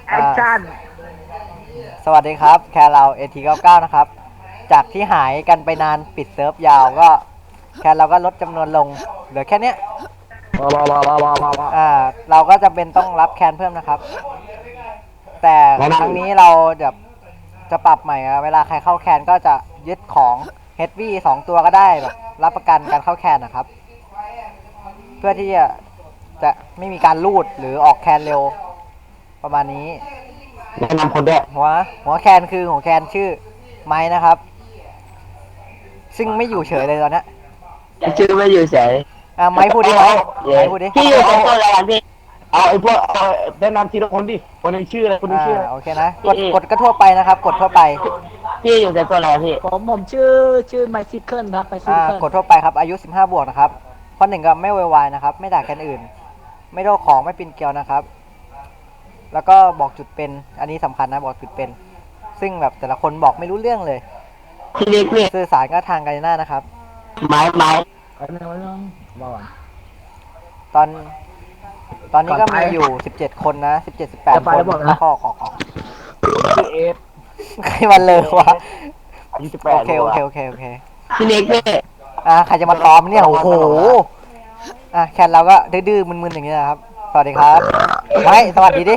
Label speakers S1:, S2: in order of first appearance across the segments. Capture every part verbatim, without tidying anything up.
S1: แอคชั่น
S2: สวัสดีครับแคร์เรา เอ ที เก้าสิบเก้า นะครับจากที่หายกันไปนานปิดเซิร์ฟยาวก็แคร์เราก็ลดจำนวนลงเหลือแค่เนี้ย
S1: ว้าวว้าวว้าวว้าวว้าว
S2: อ่าเราก็จะเป็นต้องรับแคนเพิ่มนะครับแต่ครั้งนี้เราจะจะปรับใหม่อะเวลาใครเข้าแคนก็จะยึดของ เฮด วี สองตัวก็ได้แบบรับประกันการเข้าแคนนะครับเพื่อที่จะจะไม่มีการลูดหรือออกแคนเร็วประมาณนี้
S1: แนะนำคนด้วย
S2: หัวหัวแคนคือหัวแคนชื่อไม้นะครับซึ่งไม่อยู่เฉยเลยตอนนี้
S1: ชื่อไม่อยู่เฉย
S2: อ่ะไม้พูดดิไม้ไม้พูดดิ
S1: พี่อยู่ในตัวอะไรกันพี่เอาไอ้พวกเอาแนะนำทีละคนดิคนหนึงชื่ออะไรคนหนึง
S2: อ่า
S1: ชื่ออะไร
S2: โอเคนะกดกดก็ทั่วไปนะครับกดทั่วไป
S1: พี่อยู่ในตัวอะไรพี่
S3: ผมผมชื่อชื่อไมซิเคิลครับไมซิ
S2: อ่า
S3: เคิล
S2: กดทั่วไปครับอายุสิบห้าบวกนะครับข้อหนึ่งก็ไม่โวยวายนะครับไม่ด่าแคนอื่นไม่โดนของไม่ปีนเกลียวนะครับแล้วก็บอกจุดเป็นอันนี้สำคัญนะบอกจุดเป็นซึ่งแบบแต่ละคนบอกไม่รู้เรื่องเลย
S1: พี่เล็กพี่
S2: สื่อสารก็ทางกันหน้านะครับ
S1: ไม้ไม้
S3: ไอ้เรื่องเรื่องบอกก่อน
S2: ตอนตอนนี้ก็
S3: ก่อนไป
S2: มีอยู่สิบเจ็ดคนนะสิบเจ็ดสิบแปด
S3: จะไป
S2: คน
S3: แล้วบอกนะ
S2: ข้อขอขอ
S3: ชื่อเอฟ
S2: ใครมันเลยวะ
S1: อายุสิบแปด
S2: โอเคโอเคโอเคโอเค
S1: พี่เล็กพี่
S2: อ่ะใครจะมาตอมเนี่ยโอ้โหอ่ะแคนเราก็ดื้อๆมึนๆอย่างเงี้ยนะครับสวัสดีครับไว้สวัสดีดิ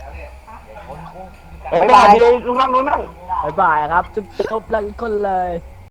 S1: บ๊ายบายพี่เล็กลุงนั่งลุงนั่ง
S3: บายบายครับจุ๊บจุ๊บแล้วอีกคนเลย